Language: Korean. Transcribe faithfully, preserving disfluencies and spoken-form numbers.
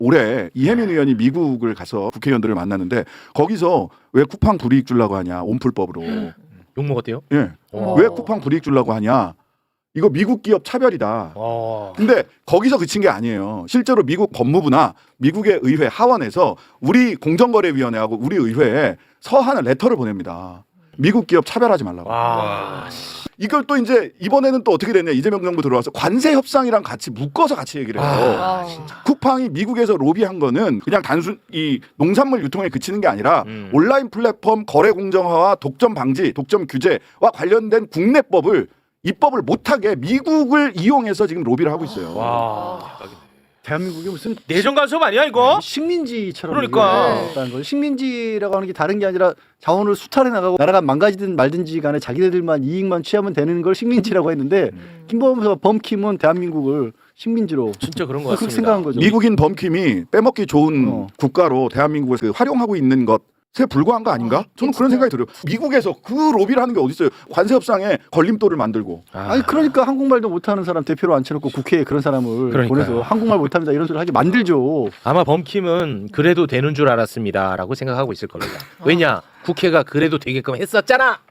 올해 이혜민 의원이 미국을 가서 국회의원들을 만났는데 거기서 왜 쿠팡 불이익 주려고 하냐 온풀법으로 욕 먹었대요? 예. 어. 왜 쿠팡 불이익 주려고 하냐 이거 미국 기업 차별이다. 어. 근데 거기서 그친 게 아니에요. 실제로 미국 법무부나 미국의 의회 하원에서 우리 공정거래위원회하고 우리 의회에 서한을 레터를 보냅니다. 미국 기업 차별하지 말라고. 와. 이걸 또 이제 이번에는 또 어떻게 됐냐. 이재명 정부 들어와서 관세 협상이랑 같이 묶어서 같이 얘기를 해요. 아, 쿠팡이 미국에서 로비한 거는 그냥 단순 이 농산물 유통에 그치는 게 아니라 음. 온라인 플랫폼 거래 공정화와 독점 방지, 독점 규제와 관련된 국내법을 입법을 못하게 미국을 이용해서 지금 로비를 하고 있어요. 와. 대한민국이 무슨 내정 간섭 아니야 이거? 식민지처럼 그러니까. 있다는 거죠. 식민지라고 하는 게 다른 게 아니라 자원을 수탈해 나가고 나라가 망가지든 말든지 간에 자기네들만 이익만 취하면 되는 걸 식민지라고 했는데 음. 김범수 범킴은 대한민국을 식민지로 진짜 그런 거 그렇게 같습니다. 생각한 거죠. 미국인 범킴이 빼먹기 좋은 어. 국가로 대한민국을 그 활용하고 있는 것에 불과한 거 아닌가? 아, 저는 그런 진짜. 생각이 들어요. 미국에서 그 로비를 하는 게 어디 있어요? 관세 협상에 걸림돌을 만들고. 아. 아니 그러니까 한국말도 못하는 사람 대표로 앉혀놓고 국회에 그런 사람을 그러니까요. 보내서 한국말 못합니다 이런 소리 하게 만들죠. 아마 범킴은 그래도 되는 줄 알았습니다라고 생각하고 있을 겁니다. 왜냐? 국회가 그래도 되게끔 했었잖아.